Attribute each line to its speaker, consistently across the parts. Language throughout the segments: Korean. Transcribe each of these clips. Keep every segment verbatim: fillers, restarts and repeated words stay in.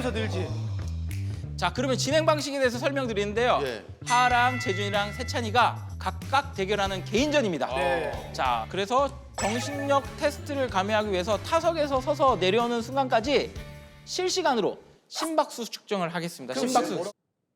Speaker 1: 늘어나면서 늘지.
Speaker 2: 자, 그러면 진행 방식에 대해서 설명드리는데요.
Speaker 3: 예.
Speaker 2: 하랑 재준이랑 세찬이가 각각 대결하는 개인전입니다.
Speaker 1: 네.
Speaker 2: 자, 그래서 정신력 테스트를 감행하기 위해서 타석에서 서서 내려오는 순간까지 실시간으로 심박수 측정을 하겠습니다. 심박수.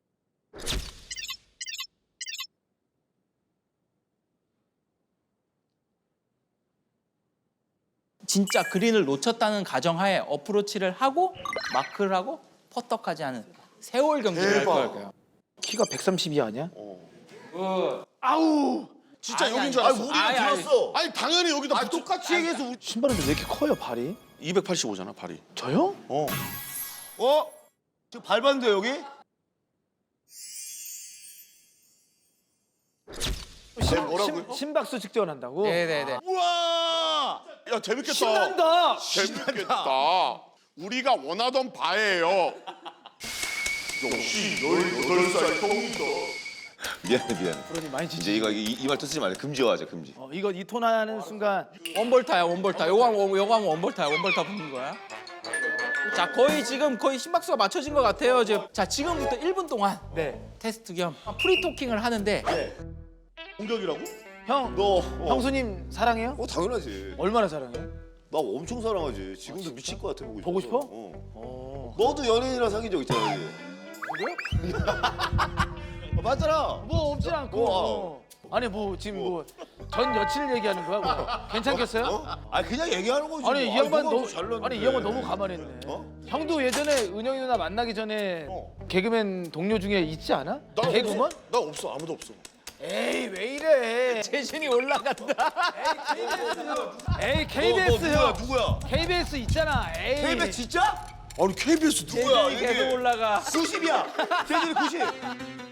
Speaker 2: 진짜 그린을 놓쳤다는 가정하에 어프로치를 하고 마크를 하고 퍼터까지 하는 세월 경기를 할 거예요.
Speaker 1: 키가 백삼십이 아니야?
Speaker 3: 아우. 진짜
Speaker 2: 아니,
Speaker 3: 여긴
Speaker 2: 아니,
Speaker 3: 줄 알았어.
Speaker 2: 아니,
Speaker 3: 우리가
Speaker 2: 아니, 아니.
Speaker 3: 들었어. 아니 당연히 여기다
Speaker 4: 아 똑같이 얘기해서 우리...
Speaker 1: 신발은 왜 이렇게 커요, 발이?
Speaker 3: 이백팔십오잖아 발이.
Speaker 1: 저요?
Speaker 3: 어.
Speaker 4: 어? 지금 밟았는데 여기?
Speaker 1: 심,
Speaker 3: 뭐라고요?
Speaker 1: 심, 심박수 측정한다고?
Speaker 2: 네네네.
Speaker 3: 우와. 야 재밌겠다.
Speaker 1: 신난다.
Speaker 3: 재밌겠다. 우리가 원하던 바예요. 역시 열여덟 살 형이다.
Speaker 5: 미안해 미안해.
Speaker 1: 그러니 많이 지지.
Speaker 5: 이제 이거 이 말 쓰지 말래. 금지화하자 금지.
Speaker 1: 어, 이거 이 톤 하는 순간
Speaker 2: 원볼타야 원볼타. 요거 하면 요거 하면 원볼타야. 원볼타 붙는 거야. 자, 거의 지금 거의 심박수가 맞춰진 것 같아요. 이제 자, 지금부터 일 분 동안
Speaker 1: 네.
Speaker 2: 테스트 겸 프리토킹을 하는데
Speaker 3: 공격이라고?
Speaker 1: 형,
Speaker 4: 너 어.
Speaker 1: 형수님 사랑해요?
Speaker 4: 어 당연하지.
Speaker 1: 얼마나 사랑해?
Speaker 4: 나 엄청 사랑하지. 지금도 미칠 것 같아 보고 싶어.
Speaker 1: 보고 싶어?
Speaker 4: 어.
Speaker 1: 어.
Speaker 4: 너도 연예인이랑 사귄 적 있잖아.
Speaker 1: 그래요?
Speaker 4: 어, 맞잖아.
Speaker 1: 뭐 없진 않고.
Speaker 4: 어.
Speaker 1: 아니 뭐 지금 뭐 전 여친 얘기하는 거야? 뭐. 괜찮겠어요?
Speaker 4: 어? 아 그냥 얘기하는 거지.
Speaker 1: 아니 이
Speaker 4: 뭐.
Speaker 1: 양반
Speaker 4: 뭐가
Speaker 1: 너무
Speaker 4: 더 잘났는데.
Speaker 1: 아니 이 양반 너무 가만했네.
Speaker 4: 어?
Speaker 1: 형도 예전에 은영이 누나 만나기 전에
Speaker 4: 어.
Speaker 1: 개그맨 동료 중에 있지 않아?
Speaker 3: 나
Speaker 1: 개그맨?
Speaker 3: 없어. 나 없어. 아무도 없어.
Speaker 1: 에이 왜 이래?
Speaker 2: 재신이 올라간다.
Speaker 1: 에이
Speaker 4: 너,
Speaker 1: 케이비에스
Speaker 4: 너
Speaker 1: 형.
Speaker 4: 누구야? 누구야?
Speaker 1: 케이비에스 있잖아. 에이.
Speaker 4: 케이비에스 진짜? 아니 케이비에스 누구야?
Speaker 2: 재신이 계속 올라가.
Speaker 4: 구십이야. 재진이 구십.